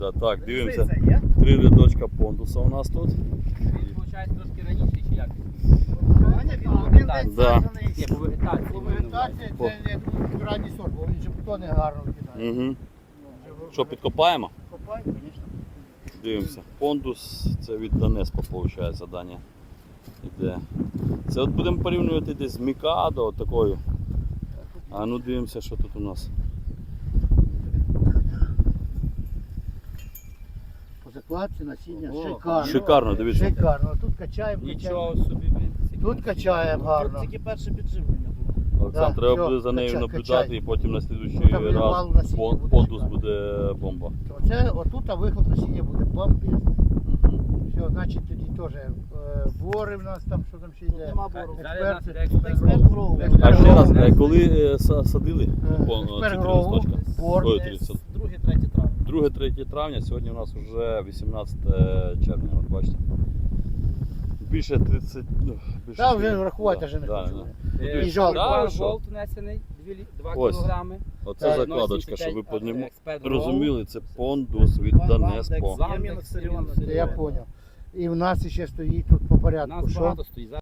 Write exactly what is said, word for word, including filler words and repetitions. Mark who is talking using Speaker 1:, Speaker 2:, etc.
Speaker 1: Так, дивимося. Три рядочка пондуса у нас тут.
Speaker 2: Він, виходить, трошки раніше чи як?
Speaker 1: Да.
Speaker 2: Ні, по вегетації.
Speaker 3: По вегетації це я думаю, ранній сорт, бо він же бутони гарно кидає.
Speaker 1: Угу. Що, підкопаємо?
Speaker 3: Копай, звісно.
Speaker 1: Дивимося. Пондус, це від Донеспа, виходить, Даня. Іде. Це от будемо порівнювати десь з Мікадо, от такою. А ну дивимося, що тут у нас.
Speaker 3: По закладці насіння
Speaker 2: О,
Speaker 3: шикарно.
Speaker 1: Шикарно, дивіться.
Speaker 3: Шикарно. Тут качаємо,
Speaker 2: Нічого
Speaker 3: качаємо.
Speaker 2: собі, блін.
Speaker 3: Тут качаємо гарно.
Speaker 4: Тільки перше підживлення було.
Speaker 1: Олександр,
Speaker 3: Да,
Speaker 1: треба
Speaker 3: всьо,
Speaker 1: буде за нею
Speaker 3: качай,
Speaker 1: наблюдати
Speaker 3: качай.
Speaker 1: і потім на слідуючий
Speaker 3: Ну, там
Speaker 1: раз
Speaker 3: валу насіння
Speaker 1: пон-
Speaker 3: буде
Speaker 1: пондус
Speaker 3: шикарно.
Speaker 1: буде бомба.
Speaker 3: Оце, отут а виход насіння буде бомбезний. Все, значить тоді теж е, бори в нас там, що там ще йде.
Speaker 4: Нема бору.
Speaker 2: Далі у нас
Speaker 3: Експерти.
Speaker 2: іде експерт
Speaker 4: Експерт
Speaker 2: гроу.
Speaker 4: гроу.
Speaker 1: А ще раз, е, коли е, са- садили
Speaker 3: Е,
Speaker 1: пон- ці
Speaker 3: експерт
Speaker 1: три
Speaker 3: гроу,
Speaker 1: листочка?
Speaker 3: бор.
Speaker 1: Ой,
Speaker 4: Десь
Speaker 1: тридцять.
Speaker 4: друге-третє травня.
Speaker 1: друге-третє травня, сьогодні у нас вже вісімнадцяте червня, от бачите. Більше тридцять, ну, більше.
Speaker 3: Та вже рахувати вже не
Speaker 1: Да,
Speaker 3: хочу.
Speaker 1: да.
Speaker 2: Е,
Speaker 3: І жалко.
Speaker 1: Да,
Speaker 2: Експерт
Speaker 1: що?
Speaker 2: Голд внесений два
Speaker 1: Ось.
Speaker 2: кілограми.
Speaker 1: Оце
Speaker 3: Так,
Speaker 1: закладочка, щоб ви
Speaker 2: ноль сімдесят п'ять,
Speaker 1: поним-
Speaker 2: експерт Гроу.
Speaker 1: розуміли, це пондус від
Speaker 4: Ван-
Speaker 1: Донеспо.
Speaker 4: Вандекс.
Speaker 2: Вандекс,
Speaker 4: Ямінок, Сиріон,
Speaker 2: Сиріон.
Speaker 3: Я зрозумів. І в нас ще стоїть тут по
Speaker 2: У
Speaker 3: порядку.
Speaker 2: нас
Speaker 3: Що?
Speaker 2: багато стоїть.